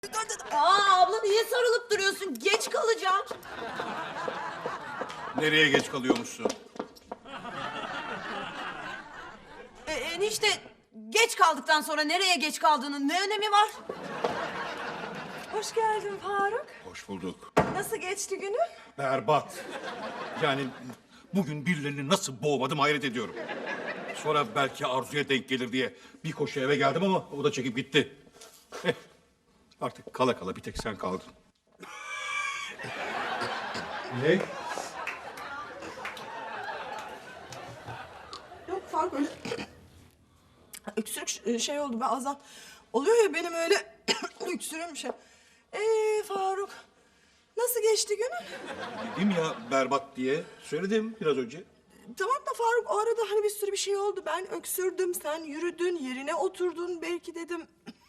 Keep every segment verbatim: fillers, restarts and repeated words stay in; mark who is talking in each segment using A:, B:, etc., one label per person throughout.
A: Aa abla niye sarılıp duruyorsun? Geç kalacağım.
B: Nereye geç kalıyormuşsun?
A: E, enişte geç kaldıktan sonra nereye geç kaldığının ne önemi var?
C: Hoş geldin Faruk.
B: Hoş bulduk.
C: Nasıl geçti günün?
B: Berbat. Yani bugün birilerini nasıl boğmadım hayret ediyorum. Sonra belki Arzu'ya denk gelir diye bir koşu eve geldim ama o da çekip gitti. Eh, artık kala kala bir tek sen kaldın. Ne?
C: Yok Faruk öyle... Öksürük şey oldu bazen. Oluyor ya benim öyle öksürüğüm şey. Ee Faruk, nasıl geçti günün?
B: Dedim ya berbat diye. Söyledim biraz önce.
C: Tamam da Faruk o arada hani bir sürü bir şey oldu. Ben öksürdüm, sen yürüdün, yerine oturdun belki dedim.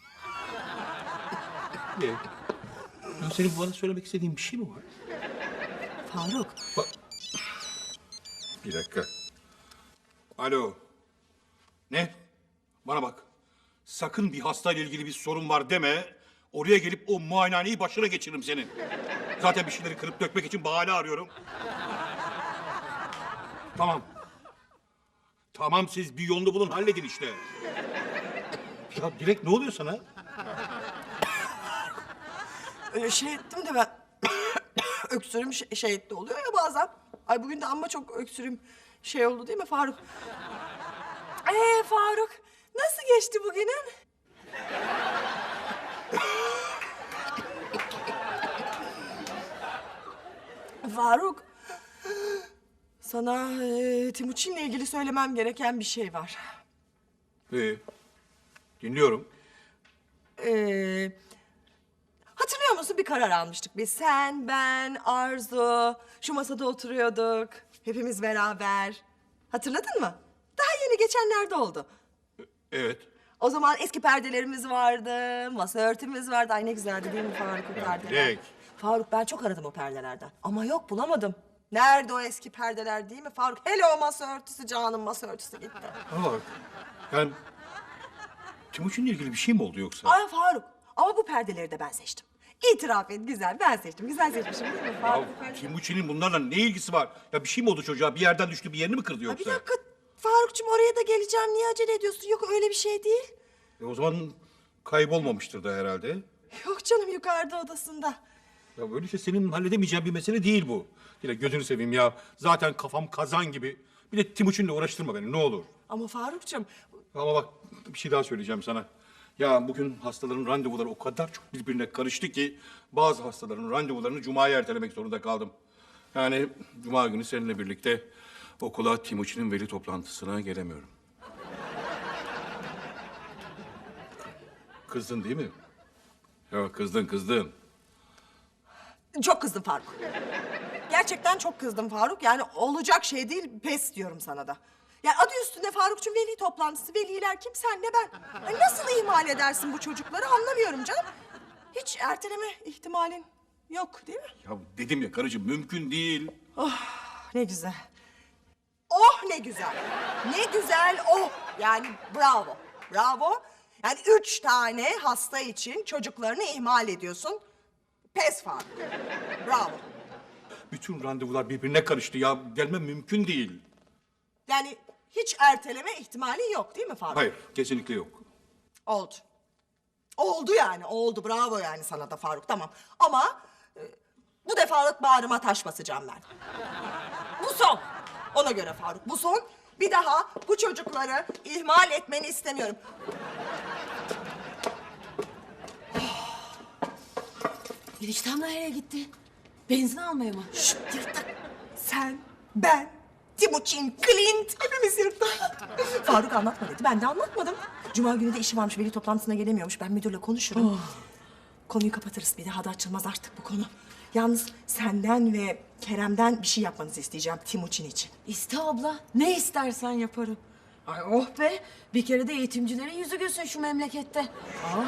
B: Ne? Ya senin bana söylemek istediğin bir şey mi var?
C: Faruk.
B: Bak. Bir dakika. Alo. Ne? Bana bak. Sakın bir hastayla ilgili bir sorun var deme. Oraya gelip o muayenehaneyi başına geçiririm senin. Zaten bir şeyleri kırıp dökmek için bahane arıyorum. Tamam. Tamam siz bir yolunu bulun halledin işte. Ya Dilek ne oluyor sana?
C: Öyle şey ettim de ben öksürüğüm şey, şey etti oluyor ya bazen. Ay bugün de amma çok öksürüğüm şey oldu değil mi Faruk? Ee Faruk, nasıl geçti bugünün? Faruk, sana e, Timuçin'le ilgili söylemem gereken bir şey var.
B: Ee, dinliyorum.
C: Ee, hatırlıyor musun bir karar almıştık biz. Sen, ben, Arzu, şu masada oturuyorduk. Hepimiz beraber. Hatırladın mı? Daha yeni geçenlerde oldu.
B: Evet.
C: O zaman eski perdelerimiz vardı, masa örtümüz vardı. Ay ne güzeldi değil mi Faruk o
B: Ya
C: perdeler?
B: Dilek.
C: Faruk ben çok aradım o perdelerden. Ama yok bulamadım. Nerede o eski perdeler değil mi Faruk? Hele o masa örtüsü canım masa örtüsü gitti.
B: Bana bak. Yani Timuçin'le ilgili bir şey mi oldu yoksa?
C: Ay Faruk ama bu perdeleri de ben seçtim. İtiraf et güzel ben seçtim. Güzel seçmişim değil mi Faruk? bu
B: Ya
C: perdeleri-
B: Timuçin'in bunlarla ne ilgisi var? Ya bir şey mi oldu çocuğa? Bir yerden düştü, bir yerini mi kırdı
C: Ay,
B: yoksa?
C: bir dakika Farukcuğum oraya da geleceğim. Niye acele ediyorsun? Yok öyle bir şey değil.
B: E o zaman kaybolmamıştır da herhalde.
C: Yok canım yukarıda odasında.
B: Ya böyle şey senin halledemeyeceğin bir mesele değil bu. Yine gözünü seveyim ya. Zaten kafam kazan gibi. Bir de Timuçin'le uğraştırma beni ne olur.
C: Ama Farukcuğum
B: Ama bak bir şey daha söyleyeceğim sana. Ya bugün hastaların randevuları o kadar çok birbirine karıştı ki... ...bazı hastaların randevularını Cuma'ya ertelemek zorunda kaldım. Yani Cuma günü seninle birlikte okula Timuçin'in veli toplantısına gelemiyorum. Kızdın değil mi? Ya kızdın kızdın.
C: çok kızdım Faruk. Gerçekten çok kızdım Faruk. Yani olacak şey değil pes diyorum sana da. Yani adı üstünde Farukcuğum veli toplantısı. Veliler kim senle ben. Ay, nasıl ihmal edersin bu çocukları anlamıyorum canım. Hiç erteleme ihtimalin yok değil mi?
B: Ya dedim ya karıcığım mümkün değil.
C: Ne güzel. Oh ne güzel. Ne güzel oh. Yani bravo. Bravo. Yani üç tane hasta için çocuklarını ihmal ediyorsun. Pes Faruk. Bravo.
B: Bütün randevular birbirine karıştı ya. Gelmem mümkün değil.
C: Yani hiç erteleme ihtimali yok değil mi Faruk?
B: Hayır kesinlikle yok.
C: Oldu. Oldu yani oldu bravo yani sana da Faruk tamam. Ama e, bu defalık bağrıma taş basacağım ben. Bu son. Ona göre Faruk bu son. Bir daha bu çocukları ihmal etmeni istemiyorum.
A: Eniştem nereye gitti? Benzin almaya mı?
C: Şşt yırtık. Sen, ben, Timuçin, Clint hepimiz yırttık. Faruk anlatma dedi. Ben de anlatmadım. Cuma günü de işi varmış. Veli toplantısına gelemiyormuş. Ben müdürle konuşurum. Konuyu kapatırız. Bir daha da açılmaz artık bu konu. Yalnız senden ve Kerem'den bir şey yapmanızı isteyeceğim Timuçin için.
A: İste abla. Ne istersen yaparım. Ay oh be. Bir kere de eğitimcilerin yüzü gülsün şu memlekette. Aa.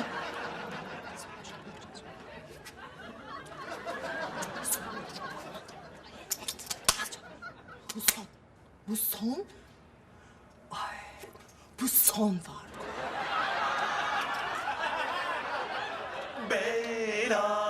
C: Bu son. Bu son. Ay, bu son Faruk.
D: Be Leyla.